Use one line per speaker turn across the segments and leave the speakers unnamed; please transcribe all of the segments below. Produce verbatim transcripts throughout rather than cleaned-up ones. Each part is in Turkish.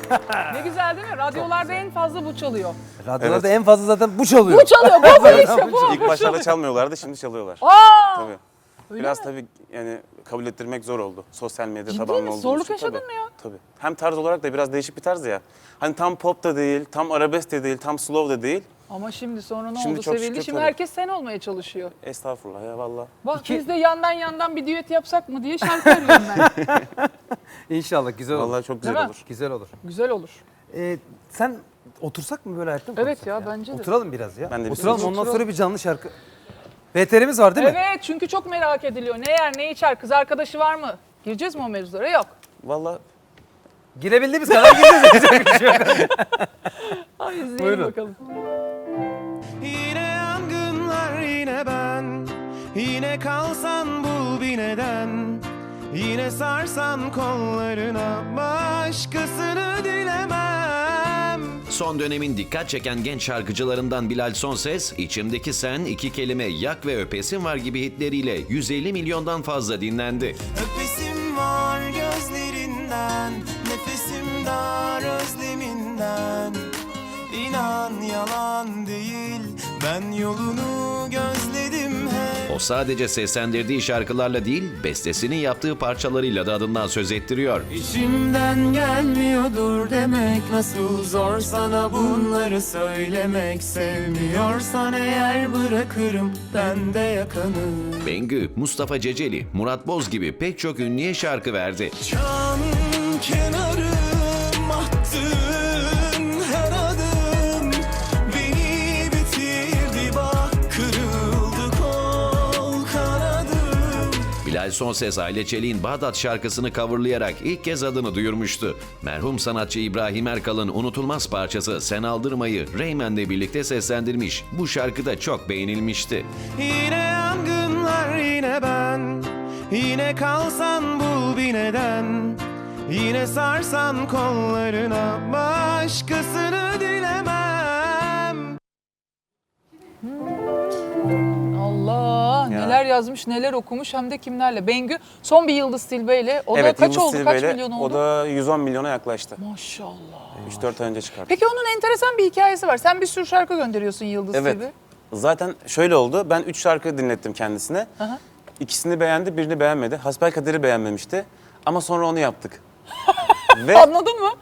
Ne güzel değil mi? Radyolarda en fazla bu çalıyor.
Radyolarda
Evet.
en fazla zaten bu çalıyor.
Bu çalıyor, bu bu işte bu.
İlk başlarda çalmıyorlardı, şimdi çalıyorlar.
Aa!
Tabii.
Öyle
Biraz
mi?
tabii yani kabul ettirmek zor oldu. Sosyal medya
Ciddi
tabanlı
mi?
olduğu
Zorluk
için
yaşadın
tabii.
mı ya?
Tabii. Hem tarz olarak da biraz değişik bir tarz ya. Hani tam pop da değil, tam arabesk de değil, tam slow da değil.
Ama şimdi sonra ne
Şimdi
oldu?
çok
Sevildi.
şükür
Şimdi
tabii.
herkes sen olmaya çalışıyor.
Estağfurullah ya valla.
Bak
İki-
biz de yandan yandan bir düet yapsak mı diye şarkı arıyorum ben.
İnşallah güzel olur.
Vallahi çok güzel
Değil mi?
olur.
Güzel olur.
Güzel olur.
Ee, sen otursak mı böyle ayakta mı
Evet
konuşsak
ya, bence de.
Oturalım biraz ya.
Ben de bir
Oturalım
süre-
ondan
Oturalım.
sonra bir canlı şarkı. B T R'miz var değil mi?
Evet, çünkü çok merak ediliyor. Ne yer, ne içer, kız arkadaşı var mı? Gireceğiz mi o mevzulara? Yok.
Valla
Girebildiğimiz kadar gireceğiz.
Ay izleyelim
Buyurun.
bakalım.
Yine yangınlar yine ben. Yine kalsan bul bir neden. Yine sarsan kollarına başkasını dilemem.
Son dönemin dikkat çeken genç şarkıcılarından Bilal Sonses, İçimdeki Sen, iki kelime, Yak ve Öpesim Var gibi hitleriyle yüz elli milyondan fazla dinlendi.
Öpesim var gözlerinden, nefesim dar özleminden. İnan yalan değil, ben yolunu gözledim hep.
O sadece seslendirdiği şarkılarla değil, bestesini yaptığı parçalarıyla da adından söz ettiriyor.
İçimden gelmiyordur demek nasıl zor sana bunları söylemek. Sevmiyorsan eğer bırakırım ben de yakanı.
Bengü, Mustafa Ceceli, Murat Boz gibi pek çok ünlüye şarkı verdi.
Can kenarım attın her adım beni bitirdi bak kırıldı kol kanadım.
Bilal Sonses, Aile Çelik'in Bağdat şarkısını coverlayarak ilk kez adını duyurmuştu. Merhum sanatçı İbrahim Erkal'ın unutulmaz parçası Sen Aldırmayı Reymen'le birlikte seslendirmiş. Bu şarkı da çok beğenilmişti.
Yine yangınlar yine ben. Yine kalsan bul bir neden. Yine sarsan kollarına başkasını dilemem.
Allah
Ya.
neler yazmış, neler okumuş hem de kimlerle. Bengü son bir Yıldız Tilbe ile. O
evet
da kaç
Yıldız
oldu? Kaç
Tilbe'yle
milyon oldu?
o da yüz on milyona yaklaştı.
Maşallah.
üç dört ay önce çıkarttı.
Peki onun enteresan bir hikayesi var. Sen bir sürü şarkı gönderiyorsun Yıldız
Evet.
Tilbe.
Zaten şöyle oldu. Ben üç şarkı dinlettim kendisine.
Aha.
İkisini beğendi, birini beğenmedi. Hasbelkader'i beğenmemişti. Ama sonra onu yaptık. Ve
Anladın mı?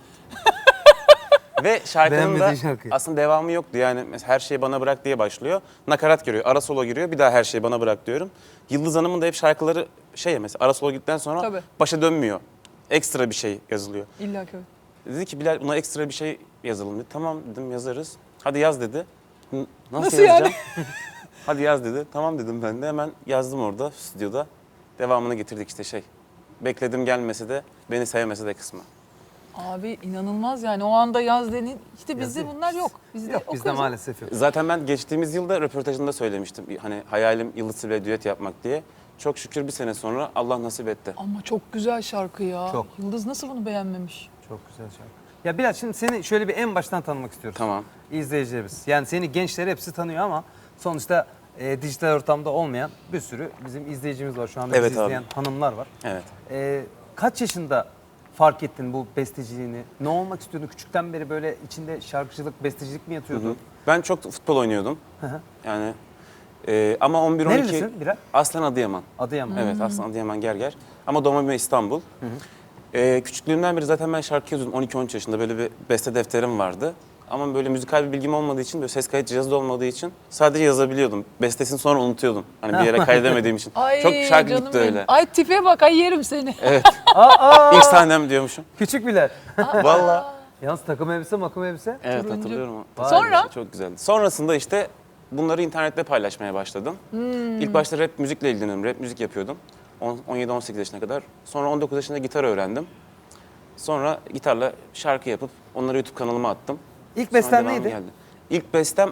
ve şarkının da
Beğenmediği şarkıyı.
aslında devamı yoktu. Yani mesela Her Şeyi Bana Bırak diye başlıyor. Nakarat giriyor, ara solo giriyor. Bir daha Her Şeyi Bana Bırak diyorum. Yıldız Hanım'ın da hep şarkıları şey ya mesela ara solo gittikten sonra
Tabii.
başa dönmüyor. Ekstra bir şey yazılıyor.
İlla ki.
Dedi ki Bilal buna ekstra bir şey yazalım dedi. Tamam dedim yazarız. Hadi yaz dedi. N- Nasıl,
Nasıl yani?
yazacağım? Hadi yaz dedi. Tamam dedim ben de hemen yazdım orada stüdyoda. Devamını getirdik işte şey. Bekledim gelmese de beni sevmese de kısmı.
Abi inanılmaz yani o anda yaz denin. İşte bizde bunlar yok. Bizde
Yok bizde
okuyoruz.
maalesef yok.
Zaten ben geçtiğimiz yılda röportajında söylemiştim. Hani hayalim Yıldız Tilbe'yle düet yapmak diye. Çok şükür bir sene sonra Allah nasip etti.
Ama çok güzel şarkı ya.
Çok.
Yıldız nasıl bunu beğenmemiş?
Çok güzel şarkı. Ya Bilal şimdi seni şöyle bir en baştan tanımak istiyoruz.
Tamam.
İzleyicilerimiz. Yani seni gençler hepsi tanıyor ama sonuçta e, dijital ortamda olmayan bir sürü bizim izleyicimiz var. Şu anda
Evet
bizi
abi.
izleyen hanımlar var.
Evet.
E, kaç yaşında fark ettin bu besteciliğini? Ne olmak istiyordun? Küçükten beri böyle içinde şarkıcılık, bestecilik mi yatıyordu?
Hı. Ben çok futbol oynuyordum.
Hı hı.
Yani e, ama on bir on iki
Nerelisin Bilal?
aslen Adıyaman.
Adıyaman.
Evet aslında Adıyaman Gerger. Ama doğma büyüme İstanbul. Ee, küçüklüğümden beri zaten ben şarkı yazıyordum. on iki on üç yaşında böyle bir beste defterim vardı. Ama böyle müzikal bir bilgim olmadığı için, böyle ses kayıt cihazı da olmadığı için sadece yazabiliyordum. Bestesini sonra unutuyordum. Hani bir yere kaydedemediğim için.
Ay
Çok şarkı
canım
gitti
benim.
öyle.
Ay tipe bak ay yerim seni.
Evet.
Aa,
İlk sahnem diyormuşum.
küçük Bilal.
Vallahi.
Yalnız takım elbise, makım elbise.
Evet
Turuncu.
hatırlıyorum.
Vay
Sonra?
Çok güzeldi. Sonrasında işte bunları internette paylaşmaya başladım. İlk başta rap müzikle ilgileniyordum. Rap müzik yapıyordum. on yedi on sekiz yaşına kadar. Sonra on dokuz yaşında gitar öğrendim. Sonra gitarla şarkı yapıp onları YouTube kanalıma attım.
İlk
Sonra
beslen
devamı
neydi?
geldi. İlk bestem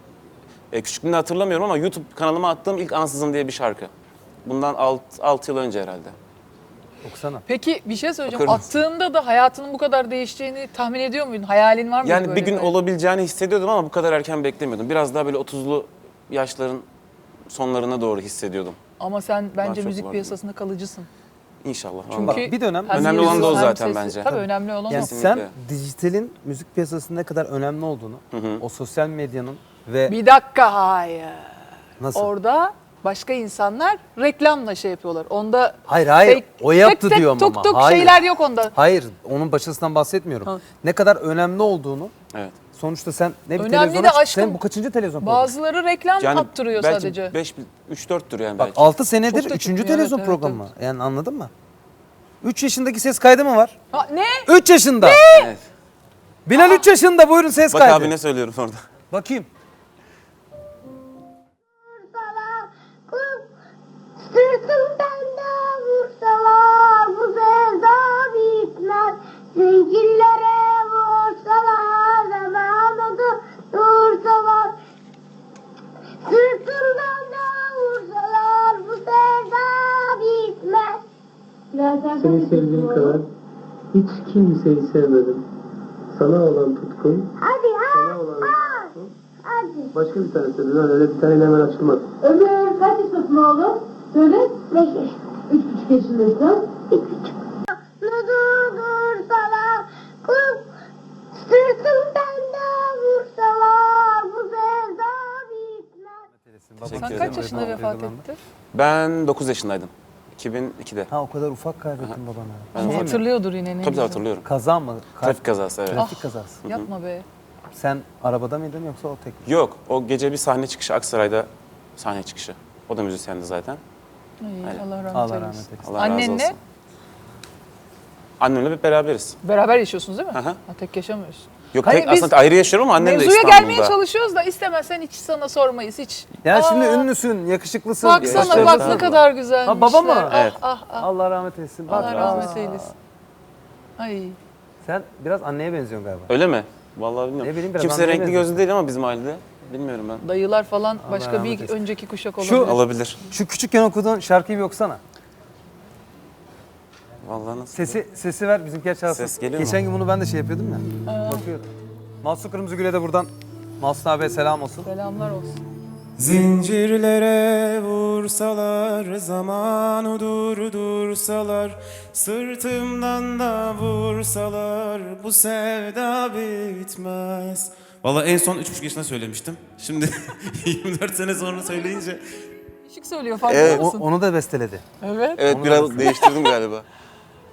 e, küçüklüğümde hatırlamıyorum ama YouTube kanalıma attığım ilk Ansızın diye bir şarkı. Bundan altı yıl önce herhalde.
Okusana.
Peki bir şey söyleyeceğim.
Okur musun?
Attığında da hayatının bu kadar değişeceğini tahmin ediyor muydun? Hayalin var mıydı
Yani
böyle
bir gün
böyle?
olabileceğini hissediyordum ama bu kadar erken beklemiyordum. Biraz daha böyle otuzlu yaşların sonlarına doğru hissediyordum.
Ama sen bence
çok
müzik
var.
piyasasında kalıcısın.
İnşallah.
Çünkü
vallahi.
bak bir dönem
Hem
Önemli olan da o
yüzü, hem
zaten
sesi.
bence.
Tabii önemli olan
yani
o.
sen
Kesinlikle.
dijitalin müzik piyasasının ne kadar önemli olduğunu, o sosyal medyanın ve
Bir dakika hayır.
nasıl?
Orada başka insanlar reklamla şey yapıyorlar. Onda
Hayır hayır
fake-
o yaptı
tık tık,
diyorum
tuk
ama.
tuk
Hayır.
şeyler yok onda.
Hayır onun başarısından bahsetmiyorum.
Ha.
Ne kadar önemli olduğunu
Evet.
sonuçta sen ne bir
Önemli
televizyona
de
çık-
aşkım,
sen bu kaçıncı televizyon programı?
Bazıları reklam
Yani
attırıyor
belki
sadece.
beş, üç dörttür yani
Bak
belki.
altı senedir
Çok da
üçüncü
çıkmıyor,
televizyon
evet, evet,
programı. Yani anladın mı? üç yaşındaki ses kaydı mı var?
Ha, ne?
üç yaşında.
Evet.
Bilal üç yaşında buyurun ses
Bak
kaydı.
abi ne söylüyorum orada.
Bakayım.
Sırtımdan da vursalar bu sevda bitmez. Zincirlere vursalar zamanı dursalar. Sırtımdan da vursalar bu sevda bitmez.
Seni sevdiğim kadar hiç kimseyi sevmedim. Sana olan tutkum,
Hadi ha,
sana olan
ha.
tutkum.
Hadi.
Başka bir tane söyle lan öyle bir tane hemen açılmaz.
Ömür kaç yaşındasın oğlum? Söyle. Beş yaşında. Üç buçuk yaşındasın. Üç buçuk. Dursalar, kız sırtımdan da vursalar bu sevda bitmez.
Sen
Teşekkür
kaç
ederim.
yaşında vefat etti?
Ben dokuz yaşındaydım. iki bin ikide.
Ha o kadar ufak kaybettin babana.
Ben
Şey mi?
Hatırlıyordur yine ne
Tabii tabii
güzel.
hatırlıyorum.
Kaza mı? Ka-
Trafik kazası evet.
Trafik kazası.
Yapma be.
Sen arabada mıydın yoksa o tek?
Yok o gece bir sahne çıkışı Aksaray'da sahne çıkışı. O da müzisyendi zaten.
Ay, Allah rahmet
Allah
eylesin.
rahmet eylesin.
Allah razı
Annenle
olsun. Annemle hep beraberiz.
beraber yaşıyorsunuz değil mi?
Hı hı.
Ha, tek yaşamıyorsun.
Yok
Hayır,
tek,
biz
aslında ayrı yaşıyorum ama annem de
Mevzuya
İstanbul'da.
gelmeye çalışıyoruz da istemezsen hiç sana sormayız hiç.
Ya şimdi
Aa,
ünlüsün, yakışıklısın.
Baksana
Başarılı
bak
tabii.
ne kadar güzelmişler.
Ha, baba mı?
Ah,
Evet.
ah, ah.
Allah rahmet eylesin. Bak,
Allah
razı
rahmet
olsun.
eylesin. Ay.
sen biraz anneye benziyorsun galiba.
Öyle mi? Vallahi bilmiyorum.
Ne bileyim, biraz
Kimse
anneye
renkli
benziyorsun.
gözlü değil ama bizim ailede. Bilmiyorum ben.
Dayılar falan başka
rahmet
bir
eylesin.
önceki kuşak olabilir.
Şu-
Olabilir.
Şu küçükken okuduğun şarkıyı bir okusana.
Vallahi nasıl?
Sesi sesi ver bizimkiler çalsın.
Ses geliyor mu?
Geçen gün bunu ben de şey yapıyordum ya. Bakıyordum. Mahsun Kırmızıgül'e de buradan Mahsun abiye selam olsun.
Selamlar olsun.
Zincirlere vursalar, zamanı durdursalar, sırtımdan da vursalar, bu sevda bitmez. Vallahi en son üç buçuk yaşında söylemiştim. Şimdi yirmi dört sene sonra söyleyince
Işık söylüyor farkında
Evet.
O-
mısın?
onu da besteledi.
Evet.
Evet biraz değiştirdim galiba.